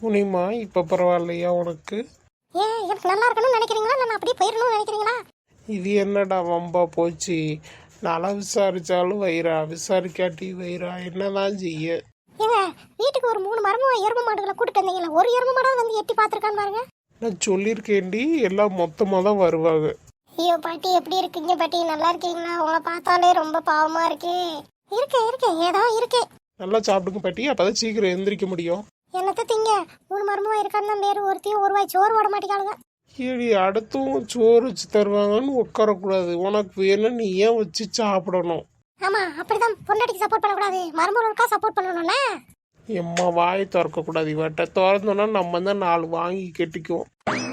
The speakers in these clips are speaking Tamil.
முனிமா இப்போ பரவாயில்லையா உனக்கு? ஏன் எனக்கு நல்லா இருக்கணும்னு நினைக்கிறீங்களா, நான் அப்படியே போயிடணும்னு நினைக்கிறீங்களா? இது என்னடா வம்பா போச்சு? நல்லா விசாரிச்சாலும் வயிறா, விசாரிக்காட்டி வயிறா, என்னதான் செய்ய? ஏங்க, வீட்டுக்கு ஒரு 3 மரமும் எரும மாடுகளை கூட்டிட்டு வந்தீங்களா? ஒரு எரும மாடாவது வந்து எட்டி பார்த்துருக்கான்னு பாருங்க. நான் சொல்லியிருக்கேன்டி, எல்லாம் மொத்தமாக தான் வருவாங்க. ஐயோ பாட்டி, எப்படி இருக்கீங்க பாட்டி? நல்லா இருக்கீங்களா? உங்களை பார்த்தாலே ரொம்ப பாவமா இருக்கே. இருக்கேன் ஏதோ இருக்கேன். நல்லா சாப்பிடுங்க பாட்டி, அப்பதான் சீக்கிரம் எந்திரிக்க முடியும். என்னத்த திங்க, 3 மரமும் இருக்கான்னு தான் பேரு. ஒருத்தையும் ஒரு வாய் சோறு ஓட மாட்டேங்காளுங்க. ஏடி, அடுத்தும் சோறு வச்சு தருவாங்கன்னு உட்காரக்கூடாது. உனக்கு வேணும், நீ ஏன் வச்சு சாப்பிடணும்? ஆமா, அப்படிதான் பொண்டாட்டிக்கு சப்போர்ட் பண்ணக்கூடாது, மருமகளுக்கா சப்போர்ட் பண்ணணும்ல. எம்மா வாயை திறக்கக்கூடாது. இவட்ட திறந்தோன்னா நம்ம தான் 4 வாங்கி கெட்டிக்குவோம்.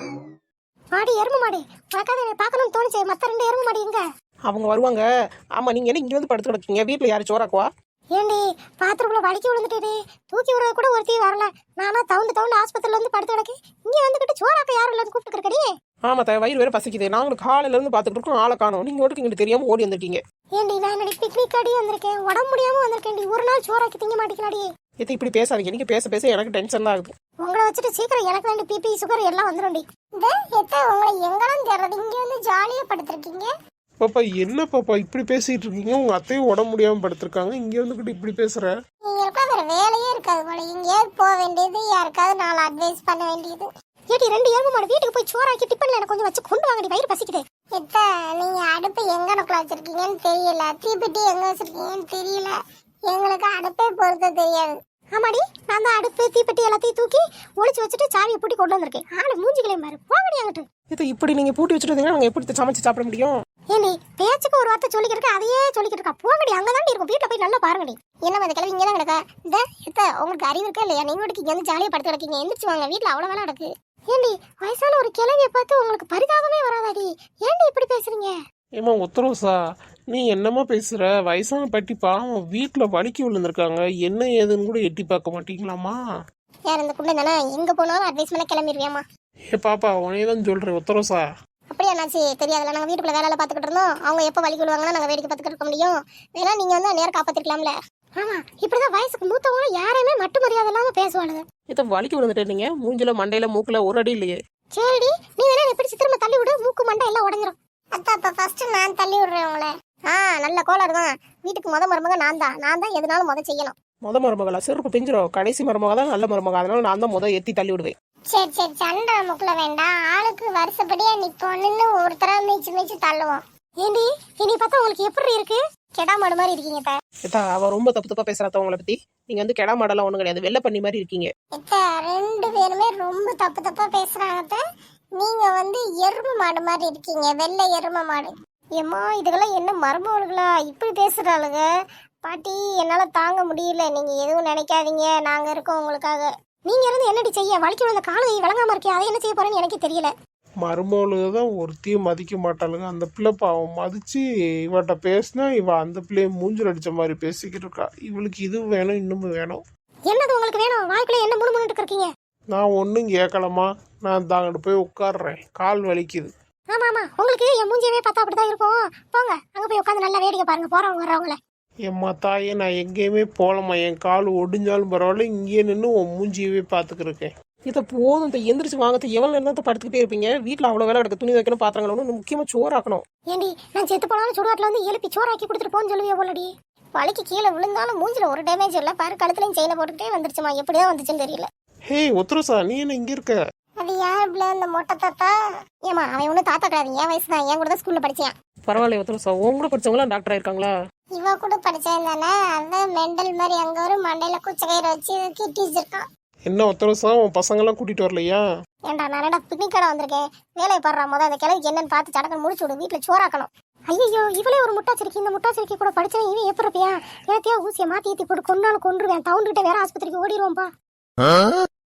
மாடி, எரும மாடு, உனக்காக என்னை பார்க்கணும்னு தோணுச்சு. மற்ற 2 எரும மாடு எங்க? அவங்க வருவாங்க. ஆமா, நீங்க என்ன இங்க வந்து படுத்து கிடக்கீங்க? வீட்டுல யாரு சோறாக்குவா? ஏண்டி, பாத்ரூம்ல வலிக்கி விழுந்துட்டே, தூக்கி விடுறது கூட ஒருத்தையும் வரல. நானா தவுண்டு ஆஸ்பத்திரியில வந்து படுத்து கிடக்கு. இங்க வந்துகிட்டு சோறாக்க யாரும் இல்லைன்னு கூப்பிட்டுருக்கடி. ஆமா, வயிறு வேற பசிக்குது. நாங்களும் காலையில இருந்து பாத்துட்டு இருக்கோம், ஆளை காணோம். நீங்க ஓட்டுக்கு இங்கிட்டு தெரியாம ஓடி வந்துட்டீங்க. ஏண்டி, நான் என்னடி பிக்னிக் அடி வந்திருக்கேன், உடம்பு முடியாம வந்திருக்கேன்டி. ஒரு நாள் சோறாக்கி திங்க மாட்டேங்கலாடி. எத்த இப்படி பேசாதீங்க. நீங்க பேச பேச எனக்கு டென்ஷன் தான் ஆகுது. உங்களை வச்சுட்டு சீக்கிரம் எனக்கு வேண்டி பிபி சுகர் எல்லாம் வந்துடும்டி. இந்த எத்த உங்களை எங்கெல்லாம் தேடுறது? இங்க வந்து ஜாலியா படுத்திருக்கீங்க. பாப்பா, என்ன பாப்பா இப்படி பேசிட்டு இருக்கீங்க? உங்க அத்தையும் உடம்பு முடியாம படுத்திருக்காங்க, இங்க வந்துகிட்டு இப்படி பேசுற? நீங்க வேற வேலையே இருக்காது போல. எங்கேயாவது போக வேண்டியது, யாருக்காவது 4 அட்வைஸ் பண்ண வேண்டியது. ஏடி, 2 எருமை மாடு வீட்டுக்கு போய் சோறாக்கி டிஃபன்ல எனக்கு கொஞ்சம் வச்சு கொண்டு வாங்கடி, வயிறு பசிக்குது. எத்த, நீங்க அடுப்பு எங்க நோக்கில் வச்சிருக்கீங்கன்னு தெரியல, தீப்பெட்டி எங்க வச்சிருக்கீங்கன்னு தெரியல. எங்களுக்கு அடுப்பே பொறுத்த தெரியாது. ஆமாடி, நான் தான் அடுப்பு தீப்பெட்டி எல்லாத்தையும் தூக்கி ஒளிச்சு வச்சுட்டு சாவியை பூட்டி கொண்டு வந்திருக்கேன். ஆளு மூஞ்சிக்கலையும் பாரு, போகடி அங்கிட்டு. இதை இப்படி நீங்க பூட்டி வச்சுட்டு நாங்க எப்படி சமைச்சு சாப்பிட முடியும்? ஏண்டி, பேச்சுக்கு ஒரு வார்த்தை சொல்லிக்கிட்டு அதையே சொல்லிக்கிட்டு இருக்கா. போங்கடி, அங்கதான் இருக்கும். வீட்டுல போய் நல்லா பாருங்கடி. என்ன அந்த கிளவி இங்கதான் கிடக்கா? இந்த எத்த, உங்களுக்கு அறிவு இருக்கா இல்லையா? நீங்க வீட்டுக்கு இங்க வந்து ஜாலியா படுத்து கிடக்கீங்க. எந்திரிச்சு வாங்க, வீட்டுல அவ்வளவு வேலை நடக்கு. ஏண்டி, வயசான ஒரு கிளவியை பார்த்து உங்களுக்கு பரிதாபமே வராதாடி? ஏண்டி இப்படி பேசுறீங்க? ஏமா உத்தரவுசா, நீ என்னமா பேசுற? வயசான பாட்டி பாவம், வீட்டுல வலிக்கி விழுந்திருக்காங்க. என்ன ஏதுன்னு கூட எட்டி பார்க்க மாட்டீங்களாமா? யார் இந்த குண்டை தானே? எங்க போனாலும் அட்வைஸ் பண்ண கிளம்பிடுவியாமா? ஏ பாப்பா, உனையதான் சொல்றேன் உத்தரவுசா. அப்படியா நாச்சி? தெரியாதுல, நாங்க வீட்டுக்குள்ள வேலை பார்த்துக்கிட்டு இருந்தோம். அவங்க எப்போ வலிக்கு விழுவாங்கன்னா நாங்க வேடிக்கை பார்த்துக்கிட்டு இருக்க முடியும். வேணா நீங்க வந்து நேரம் காப்பாத்திருக்கலாம்ல. ஆமா, இப்படிதான் வயசுக்கு மூத்தவங்க யாரையுமே மட்டு மரியாதை இல்லாம பேசுவாளுங்க. இதை வலிக்கு விழுந்துட்டீங்க. மூஞ்சில மண்டையில மூக்குல ஒரு அடி இல்லையே. சரிடி, நீ வேணா எப்படி திரும்ப தள்ளி விடு, மூக்கு மண்டை எல்லாம் உடஞ்சிரும். அத்தா, அப்ப ஃபர்ஸ்ட் நான் தள்ளி விடுறேன் உங்களை. நல்ல கோளாறு தான். வீட்டுக்கு மருமக நான் தான் எதுனாலும் செய்யணும். மருமகளா? செருப்பு பிஞ்சிரும். கடைசி மருமக தான் நல்ல மருமக. அதனால நான் தான் எத்தி தள்ளி விடுவேன். சரி, சண்டை முக்குல வேண்டாம். ஆளுக்கு வருஷப்படியா நிப்போன்னு ஒருத்தரா மீச்சு தள்ளுவோம். ஏண்டி, இனி பார்த்தா உங்களுக்கு எப்படி இருக்கு? கெடா மாடு மாதிரி இருக்கீங்க. அவ ரொம்ப தப்பு பேசுறாத உங்களை பத்தி. நீங்க வந்து கெடா மாடெல்லாம் ஒண்ணும் கிடையாது, வெள்ளை பண்ணி மாதிரி இருக்கீங்க. 2 பேருமே ரொம்ப தப்பா பேசுறாங்க. நீங்க வந்து எருமை மாடு மாதிரி இருக்கீங்க, வெள்ளை எருமை மாடு. ஏம்மா, இதுக்கெல்லாம் என்ன மருமகளுங்களா இப்படி பேசுறாளுங்க? பாட்டி, என்னால தாங்க முடியல. நீங்க எதுவும் நினைக்காதீங்க, நாங்க இருக்கோம் உங்களுக்காக. நீங்க இருந்து என்னடி செய்ய? வலிக்கு விழுந்த காலை வழங்காம இருக்கே, அதை என்ன செய்ய போறேன்னு எனக்கு தெரியல. மருமகளுக்கு தான் ஒருத்தையும் மதிக்க மாட்டாளுங்க. அந்த பிள்ளை பாவம் மதிச்சு இவட்ட பேசினா இவ அந்த பிள்ளைய மூஞ்சில் அடிச்ச மாதிரி பேசிக்கிட்டு இருக்கா. இவளுக்கு இது வேணும், இன்னமும் வேணும். என்னது உங்களுக்கு வேணும்? வாய்க்குள்ள என்ன முணுமுணுட்டு இருக்கீங்க? நான் ஒன்றும் கேட்கலமா, நான் தாங்கிட்டு போய் உட்காடுறேன், கால் வலிக்குது. ஆமா, உங்களுக்கு என் மூஞ்சியவே பார்த்தா அப்படிதான் இருக்கும். போங்க, அங்க போய் உட்காந்து நல்லா வேடிக்கை பாருங்க போறவங்க வர்றவங்கள. எம்மா தாயே, நான் எங்கேயுமே போகலம்மா. என் கால் ஒடிஞ்சாலும் பரவாயில்ல, இங்கேயே நின்று உன் மூஞ்சியவே பார்த்துக்கிருக்கேன். இதை போதும், எந்திரிச்சு வாங்க. எவ்வளவு நேரம் படுத்துக்கிட்டே இருப்பீங்க? வீட்டுல அவ்வளவு வேலை கிடக்கு. துணி வைக்கணும், பாத்திரங்களும், முக்கியமா சோறாக்கணும். ஏண்டி, நான் செத்து போனாலும் சுடுகாட்டுல வந்து எழுப்பி சோறாக்கி கொடுத்துட்டு போன்னு சொல்லுவியா போலடி? வலிக்கு கீழே விழுந்தாலும் மூஞ்சில ஒரு டேமேஜ் இல்ல பாரு. கழுத்துலயும் செயினை போட்டுக்கிட்டே வந்துருச்சுமா. எப்படிதான் வந்துச்சுன்னு தெரியல. ஹே உத்தரசா, நீ என்ன இங்க இருக்க? அது யார் பிள்ளை? அந்த மொட்டை தாத்தா. ஏமா, அவன் ஒன்னும் தாத்தா கிடையாது, என் வயசு தான். என் கூட தான் ஸ்கூல்ல படிச்சான். பரவாயில்ல உத்தரசா, உங்க கூட படிச்சவங்களா டாக்டர் ஆயிருக்காங்களா? இவ கூட படிச்சேன் தானே. அதான் மெண்டல் மாதிரி அங்க ஒரு மண்டையில குச்சக்கயிறு வச்சு கிட்டி வச்சிருக்கான். என்ன உத்தரசா, உன் பசங்கெல்லாம் கூட்டிட்டு வரலையா? ஏண்டா, நான் பிக்னிக் கடை வந்திருக்கேன். வேலையை பாடுறா. முத அந்த கிழவிக்கு என்னன்னு பார்த்து சடக்கு முடிச்சு விடு. வீட்டுல சோறாக்கணும். ஐயோ, இவளே ஒரு முட்டாச்சிருக்கி. இந்த முட்டாச்சிருக்கி கூட படிச்சேன். இவன் எப்படி இருப்பியா? எனத்தையா ஊசியை மாத்தி ஏத்தி போட்டு கொண்டாலும் கொண்டுருவேன். டவுன் கிட்ட வேற ஆஸ்பத்திரிக்கு ஓடிடுவோம்பா.